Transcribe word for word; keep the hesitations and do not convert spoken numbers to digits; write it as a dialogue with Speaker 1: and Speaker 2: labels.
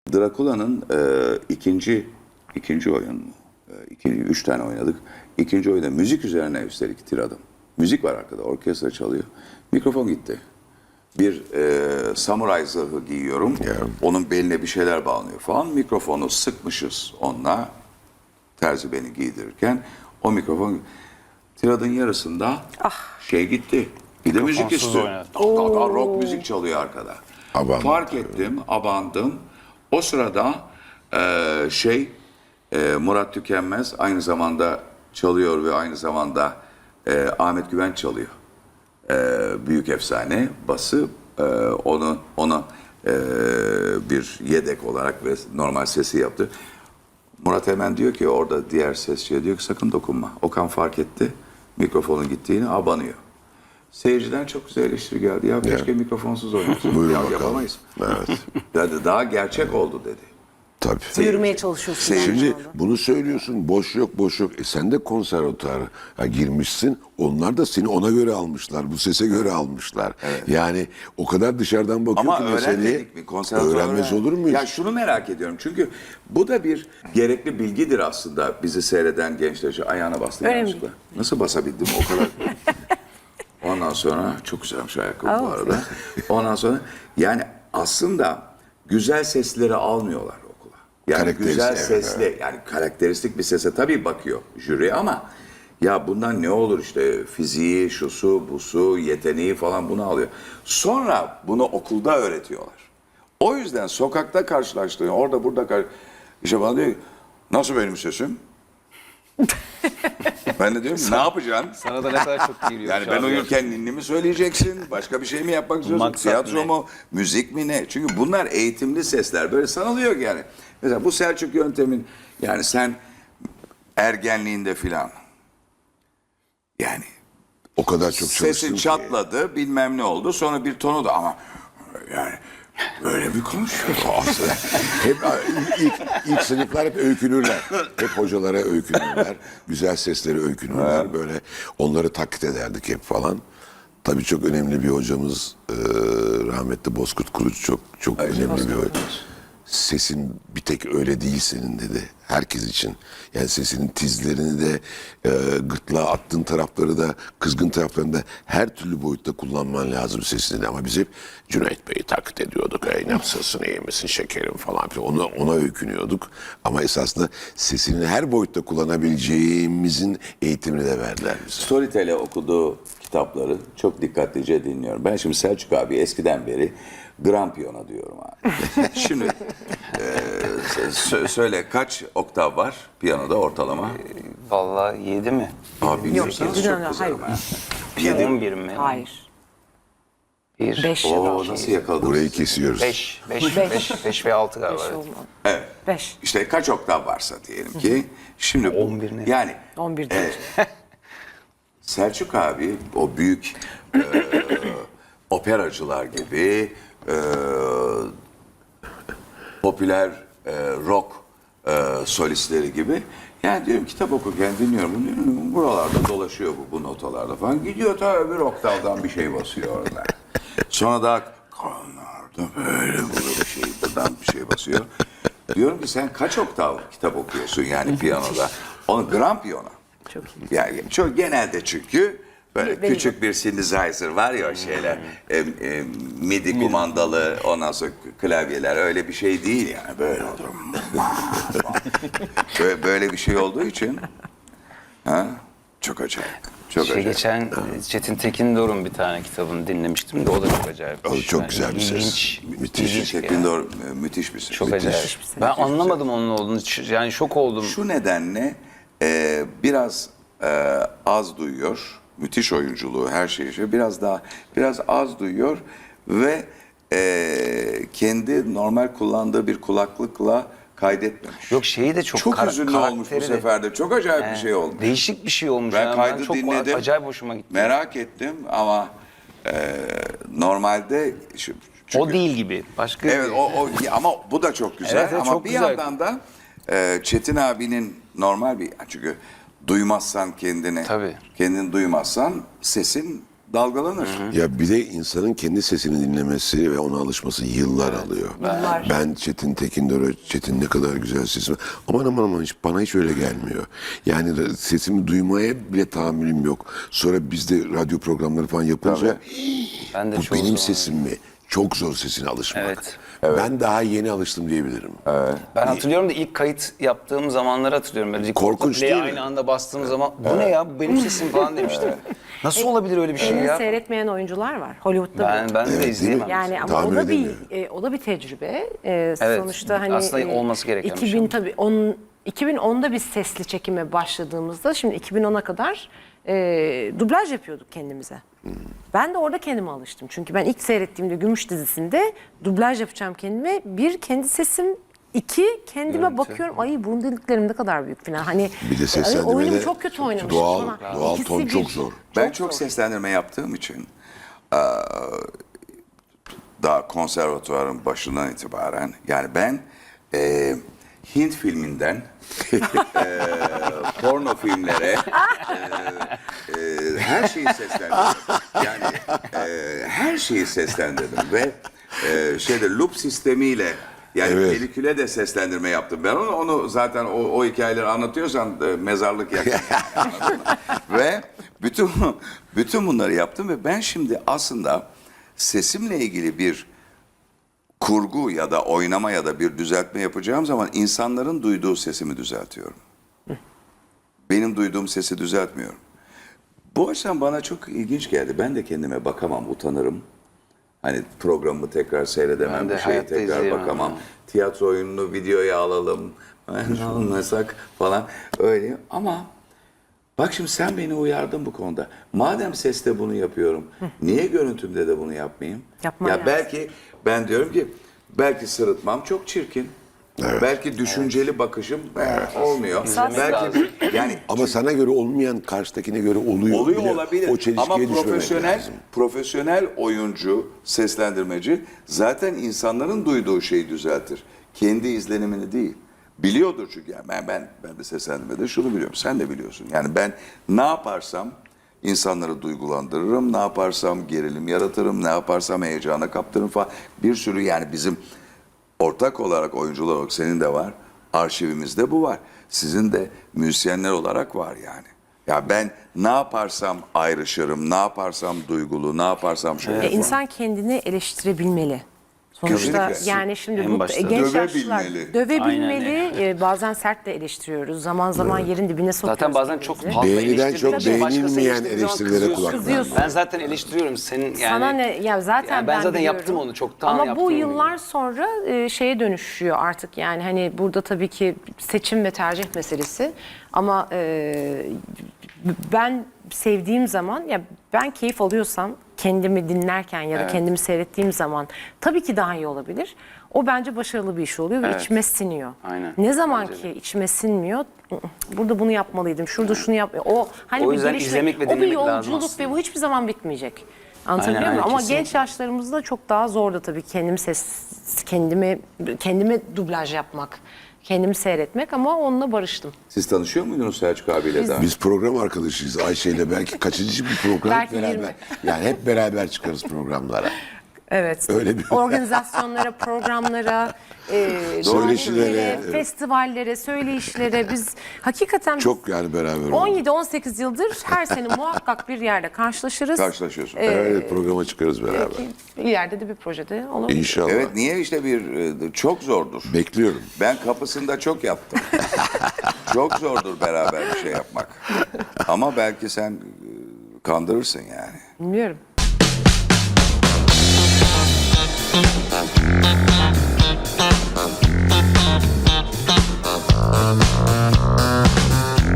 Speaker 1: Drakula'nın e, ikinci ikinci oyun mu? E, ikinci, üç tane oynadık. İkinci oyunda müzik üzerine üstelik tiradım. Müzik var arkada, orkestra çalıyor. Mikrofon gitti. Bir e, samuray zırhı giyiyorum.
Speaker 2: Yeah.
Speaker 1: Onun beline bir şeyler bağlanıyor falan. Mikrofonu sıkmışız onunla. Terzi beni giydirirken o mikrofon tiradın yarısında şey gitti. Bir de müzik
Speaker 3: Mikrofonsuz
Speaker 1: istiyor.
Speaker 3: oynadı.
Speaker 1: Daha rock müzik çalıyor arkada.
Speaker 2: Abandım.
Speaker 1: Fark ettim, abandım. O sırada e, şey e, Murat Tükenmez aynı zamanda çalıyor ve aynı zamanda e, Ahmet Güvenç çalıyor. E, büyük efsane bası e, onu ona e, bir yedek olarak ve normal sesi yaptı. Murat hemen diyor ki orada diğer sesçiye diyor ki sakın dokunma. Okan fark etti mikrofonun gittiğini abanıyor. Seyirciden çok güzel eleştiri geldi. Ya keşke mikrofonsuz oynasın.
Speaker 2: Buyurun
Speaker 1: Ya
Speaker 2: bakalım.
Speaker 1: yapamayız.
Speaker 2: Evet.
Speaker 1: Dedi, daha gerçek oldu dedi.
Speaker 2: Tabii.
Speaker 4: Yürümeye çalışıyorsun. yani
Speaker 2: Şimdi
Speaker 4: orada.
Speaker 2: bunu söylüyorsun, boş yok boş yok. E sen de konservatuara girmişsin. Onlar da seni ona göre almışlar, bu sese göre almışlar. Yani o kadar dışarıdan bakıyor
Speaker 1: Ama
Speaker 2: ki meseleye.
Speaker 1: öğrenmedik mi? Konservatuvar
Speaker 2: Öğrenmez
Speaker 1: öğren-
Speaker 2: olur muyuz?
Speaker 1: Ya şunu merak ediyorum. Çünkü bu da bir gerekli bilgidir aslında. Bizi seyreden gençler şu ayağına bastı.
Speaker 4: Öyle
Speaker 1: yanlışlıkla. Nasıl basabildim o kadar? Ondan sonra çok güzelmiş ayakkabı bu arada. Ondan sonra yani aslında güzel sesleri almıyorlar okula. Yani
Speaker 2: Karakteristik,
Speaker 1: güzel
Speaker 2: evet,
Speaker 1: sesli yani karakteristik bir sese tabii bakıyor jüri ama ya bundan ne olur işte fiziği, şusu, busu, yeteneği falan bunu alıyor. Sonra bunu okulda öğretiyorlar. O yüzden sokakta karşılaştığın orada burada kar işte bana diyor ki, nasıl benim sesim? Ben de diyorum ki, ne yapacaksın?
Speaker 3: Sana da ne kadar çok geliyor.
Speaker 1: Yani
Speaker 3: şu
Speaker 1: ben
Speaker 3: an
Speaker 1: uyurken ninni mi söyleyeceksin? Başka bir şey mi yapmak istiyorsun?
Speaker 3: Maksat
Speaker 1: Tiyatro
Speaker 3: ne?
Speaker 1: mu? Müzik mi ne? Çünkü bunlar eğitimli sesler. Böyle sanılıyor ki yani. Mesela bu Selçuk yöntemin yani sen ergenliğinde filan yani
Speaker 2: O kadar çok çalıştım
Speaker 1: sesin
Speaker 2: ki.
Speaker 1: çatladı bilmem ne oldu. Sonra bir tonu da ama yani böyle bir konuşuyor.
Speaker 2: Hep ilk, ilk sınıflar hep öykünürler. Hep hocalara öykünürler. Güzel sesleri öykünürler. Böyle onları taklit ederdik hep falan. Tabii çok önemli bir hocamız e, rahmetli Bozkurt Kuruç çok çok önemli bir hoca. Sesin bir tek öyle değil senin dedi. Herkes için. Yani sesinin tizlerini de e, gırtlağa attığın tarafları da kızgın taraflarını da her türlü boyutta kullanman lazım sesini. Ama biz hep Cüneyt Bey'i taklit ediyorduk. Ey nasılsın, iyi misin, şekerim falan. Ona, ona öykünüyorduk. Ama esasında sesini her boyutta kullanabileceğimizin eğitimini de verdiler bize.
Speaker 1: Storytel'e okuduğu kitapları çok dikkatlice dinliyorum. Ben şimdi Selçuk abi eskiden beri Grand Piyano diyorum abi. Şimdi e, sö- söyle kaç oktav var piyanoda ortalama?
Speaker 3: Vallahi yedi mi?
Speaker 1: Abi bilmiyorsanız
Speaker 4: yok,
Speaker 1: çok
Speaker 4: yok,
Speaker 1: kızarım
Speaker 4: hayır.
Speaker 1: ha. Yedi.
Speaker 3: on bir mi?
Speaker 4: Hayır.
Speaker 3: Bir.
Speaker 4: Beş ya da
Speaker 1: Oo nasıl yakaladınız?
Speaker 2: Burayı kesiyoruz.
Speaker 3: Beş. Beş.
Speaker 4: Beş.
Speaker 3: Beş. Beş ve altı galiba.
Speaker 4: Beş
Speaker 3: evet.
Speaker 4: olmadı.
Speaker 1: Evet.
Speaker 4: Beş.
Speaker 1: İşte kaç oktav varsa diyelim ki. Şimdi bu,
Speaker 3: on bir ne?
Speaker 1: yani
Speaker 4: On bir
Speaker 1: e,
Speaker 4: değil.
Speaker 1: Selçuk abi o büyük e, operacılar gibi e, popüler e, rock e, solistleri gibi yani diyorum kitap okurken dinliyorum bunu diyorum, buralarda dolaşıyor bu, bu notalarda falan gidiyor tabii bir oktavdan bir şey basıyor orada. Sonra daha kanlarda böyle böyle bir şey buradan bir şey basıyor. Diyorum ki sen kaç oktav kitap okuyorsun yani piyanoda? Onu grand piyano.
Speaker 4: Çok iyi.
Speaker 1: Yani çok genelde çünkü böyle
Speaker 4: Benim-
Speaker 1: küçük bir synthesizer var ya o şeyler e, e, midi kumandalı ondan sonra klavyeler öyle bir şey değil yani böyle olur. böyle, böyle bir şey olduğu için ha, çok acayip. Çok
Speaker 3: Şey
Speaker 1: acayip.
Speaker 3: geçen Çetin Tekin Doruk'un bir tane kitabını dinlemiştim de o da çok acayip.
Speaker 2: O çok güzel bir ses.
Speaker 3: İlginç.
Speaker 2: Müthiş.
Speaker 3: ilginç
Speaker 1: Şeklinde
Speaker 3: yani.
Speaker 1: doğru, müthiş bir ses.
Speaker 3: Çok
Speaker 1: Müthiş.
Speaker 3: acayip. Ben anlamadım onun olduğunu. Yani şok oldum.
Speaker 1: Şu nedenle e, biraz e, az duyuyor. Müthiş oyunculuğu, her şeyi. şey. Biraz daha, biraz az duyuyor ve e, kendi normal kullandığı bir kulaklıkla kaydetmemiş.
Speaker 3: Yok şeyi de çok
Speaker 1: Çok
Speaker 3: kar-
Speaker 1: hüzünlü olmuş bu
Speaker 3: karakteri de-
Speaker 1: sefer de. Çok acayip bir
Speaker 3: He,
Speaker 1: şey olmuş.
Speaker 3: Değişik bir şey olmuş.
Speaker 1: Ben
Speaker 3: yani.
Speaker 1: kaydı
Speaker 3: çok
Speaker 1: dinledim.
Speaker 3: acayip hoşuma gitti.
Speaker 1: Merak ettim ama e, normalde şu, çünkü-
Speaker 3: O değil gibi. Başka
Speaker 1: Evet
Speaker 3: bir-
Speaker 1: o, o ama bu da çok güzel
Speaker 3: Evet, evet,
Speaker 1: ama
Speaker 3: çok
Speaker 1: bir
Speaker 3: güzel.
Speaker 1: yandan da e, Çetin abinin normal bir çünkü duymazsan kendini
Speaker 3: Tabii.
Speaker 1: kendini duymazsan sesin dalgalanır.
Speaker 2: Ya bir de insanın kendi sesini dinlemesi ve ona alışması yıllar alıyor.
Speaker 4: Yıllar.
Speaker 2: Ben Çetin Tekindor'a, Çetin ne kadar güzel sesim. Aman aman aman hiç, bana hiç öyle gelmiyor. Yani de sesimi duymaya bile tahammülüm yok. Sonra biz de radyo programları falan yapınca
Speaker 3: Ben de
Speaker 2: bu
Speaker 3: çoğu
Speaker 2: benim
Speaker 3: zaman-
Speaker 2: sesim mi? Çok zor sesine alışmak.
Speaker 3: Evet.
Speaker 2: Ben daha yeni alıştım diyebilirim.
Speaker 3: Ben hatırlıyorum da ilk kayıt yaptığım zamanları hatırlıyorum. Böyle
Speaker 2: Korkunç
Speaker 3: play'e
Speaker 2: değil mi?
Speaker 3: aynı anda bastığım zaman bu ne ya, bu benim sesim falan demiştim. Nasıl olabilir öyle bir şey
Speaker 4: Elini
Speaker 3: ya?
Speaker 4: seyretmeyen oyuncular var. Hollywood'da
Speaker 3: Ben
Speaker 4: bu.
Speaker 3: ben de
Speaker 2: Evet,
Speaker 3: izleyemem.
Speaker 4: Yani ama
Speaker 2: Tahmin
Speaker 4: o da bir
Speaker 2: edemiyorum.
Speaker 4: e, o da bir tecrübe. E,
Speaker 3: Evet,
Speaker 4: sonuçta hani
Speaker 3: aslında
Speaker 4: e,
Speaker 3: olması gereken bir şey.
Speaker 4: iki bin tabii on iki bin onda biz sesli çekime başladığımızda şimdi iki bin ona kadar e, dublaj yapıyorduk kendimize. Ben de orada kendime alıştım. Çünkü ben ilk seyrettiğimde Gümüş dizisinde dublaj yapacağım kendime. Bir, kendi sesim. İki, kendime
Speaker 3: Görüntü.
Speaker 4: bakıyorum. Ay, burun deliklerim ne kadar büyük falan. Hani
Speaker 2: Bir de
Speaker 4: ay,
Speaker 2: seslendirmede
Speaker 4: oyunumu çok kötü oynamışım
Speaker 2: doğal-
Speaker 4: falan.
Speaker 2: doğal
Speaker 4: İkisi
Speaker 2: ton
Speaker 4: bir.
Speaker 2: çok zor.
Speaker 1: Ben çok seslendirme yaptığım için eee, daha konservatuvarın başından itibaren yani ben eee, Hint filminden eee, porno filmlere eee, eee, her şeyi seslendirdim. Yani eee, her şeyi seslendirdim ve eee, şeyde loop sistemiyle yani
Speaker 2: Evet.
Speaker 1: peliküle de seslendirme yaptım. Ben onu, onu zaten o, o hikayeleri anlatıyorsan e, mezarlık yakın. Anladın mı? Ve bütün bütün bunları yaptım ve ben şimdi aslında sesimle ilgili bir kurgu ya da oynama ya da bir düzeltme yapacağım zaman insanların duyduğu sesimi düzeltiyorum. Benim duyduğum sesi düzeltmiyorum. Bu açıdan bana çok ilginç geldi. Ben de kendime bakamam, utanırım. Hani programı tekrar seyredemem,
Speaker 3: Ben de
Speaker 1: bir şeye
Speaker 3: hayatta
Speaker 1: tekrar
Speaker 3: izleyemem
Speaker 1: bakamam.
Speaker 3: ya.
Speaker 1: Tiyatro oyununu videoya alalım, almasak falan öyle. Ama bak şimdi sen beni uyardın bu konuda. Madem seste bunu yapıyorum, niye görüntümde de bunu yapmayayım?
Speaker 4: Yapman
Speaker 1: ya
Speaker 4: lazım.
Speaker 1: belki ben diyorum ki belki sırıtmam çok çirkin. Belki düşünceli bakışım e, olmuyor. Belki yani
Speaker 2: Ama sana göre olmayan karşıdakine göre oluyor.
Speaker 1: oluyor
Speaker 2: bile.
Speaker 1: olabilir.
Speaker 2: O çelişkiye
Speaker 1: Ama
Speaker 2: düşmemek
Speaker 1: profesyonel
Speaker 2: lazım.
Speaker 1: profesyonel oyuncu, seslendirmeci zaten insanların duyduğu şeyi düzeltir. Kendi izlenimini değil. Biliyordur çünkü yani ben ben ben de seslendirmede şunu biliyorum. Sen de biliyorsun. Yani ben ne yaparsam insanları duygulandırırım, ne yaparsam gerilim yaratırım, ne yaparsam heyecana kaptırırım falan. Bir sürü yani bizim ortak olarak oyuncular olarak senin de var. Arşivimizde bu var. Sizin de müzisyenler olarak var yani. Ya ben ne yaparsam ayrışırım, ne yaparsam duygulu, ne yaparsam şöyle
Speaker 4: E, insan kendini eleştirebilmeli. Sonuçta
Speaker 1: Kesinlikle.
Speaker 4: yani şimdi
Speaker 3: En
Speaker 4: bu
Speaker 3: başta.
Speaker 4: genç
Speaker 1: Dövebilmeli.
Speaker 4: yaşlılar dövebilmeli.
Speaker 3: Aynen
Speaker 4: E, bazen sert de eleştiriyoruz. Zaman zaman yerin dibine sokuyoruz.
Speaker 3: Zaten bazen çok
Speaker 4: kendimizi.
Speaker 3: fazla
Speaker 2: Beğeniden
Speaker 3: eleştirdiğin
Speaker 2: çok
Speaker 3: için başkası
Speaker 2: beğenilmeyen
Speaker 3: eleştirdiği zaman
Speaker 2: eleştirilere
Speaker 3: kızıyorsun.
Speaker 2: kulak
Speaker 4: Kızıyorsun.
Speaker 3: Ben zaten eleştiriyorum senin yani.
Speaker 4: Sana ne ya zaten
Speaker 3: Yani ben zaten
Speaker 4: biliyorum.
Speaker 3: yaptım onu, çoktan
Speaker 4: Ama
Speaker 3: yaptım
Speaker 4: bu
Speaker 3: onu.
Speaker 4: yıllar sonra e, şeye dönüşüyor artık yani hani burada tabii ki seçim ve tercih meselesi ama e, ben sevdiğim zaman ya ben keyif alıyorsam kendimi dinlerken ya da kendimi seyrettiğim zaman tabii ki daha iyi olabilir. O bence başarılı bir iş oluyor ve
Speaker 3: Evet.
Speaker 4: içime siniyor.
Speaker 3: Aynen.
Speaker 4: Ne zaman
Speaker 3: Bence
Speaker 4: ki içime sinmiyor, "Ih, burada bunu yapmalıydım, şurada şunu yap. O hani
Speaker 3: O
Speaker 4: bir
Speaker 3: yüzden
Speaker 4: gelişme,
Speaker 3: izlemek ve
Speaker 4: o bir
Speaker 3: dinlemek lazım
Speaker 4: yolculuk
Speaker 3: aslında.
Speaker 4: ve bu hiçbir zaman bitmeyecek. Anlatabiliyor
Speaker 3: Aynen,
Speaker 4: muyum?
Speaker 3: aynen,
Speaker 4: Ama
Speaker 3: kesinlikle.
Speaker 4: genç yaşlarımızda çok daha zordu tabii kendim ses kendimi kendime dublaj yapmak, kendimi seyretmek ama onunla barıştım.
Speaker 1: Siz tanışıyor muydunuz Selçuk abiyle daha?
Speaker 2: Biz program arkadaşıyız Ayşe ile. Belki kaçıncı bir program
Speaker 4: Belki
Speaker 2: beraber.
Speaker 4: yirmi.
Speaker 2: Yani hep beraber çıkarız programlara.
Speaker 4: Evet.
Speaker 2: Öyle bir-
Speaker 4: Organizasyonlara, programlara, e,
Speaker 2: Söyleşilere,
Speaker 4: davetlere,
Speaker 2: evet.
Speaker 4: festivallere, söyleyişlere biz hakikaten biz
Speaker 2: Çok yani beraber olduk.
Speaker 4: on yedi on sekiz yıldır her sene muhakkak bir yerde karşılaşırız.
Speaker 1: Karşılaşıyorsun.
Speaker 2: Evet, programa çıkarız beraber.
Speaker 4: Bir yerde de bir projede olabilir.
Speaker 2: İnşallah.
Speaker 1: Evet niye işte bir e, çok zordur.
Speaker 2: Bekliyorum.
Speaker 1: Ben kapısında çok yaptım. Çok zordur beraber bir şey yapmak. Ama belki sen e, kandırırsın yani.
Speaker 4: Bilmiyorum.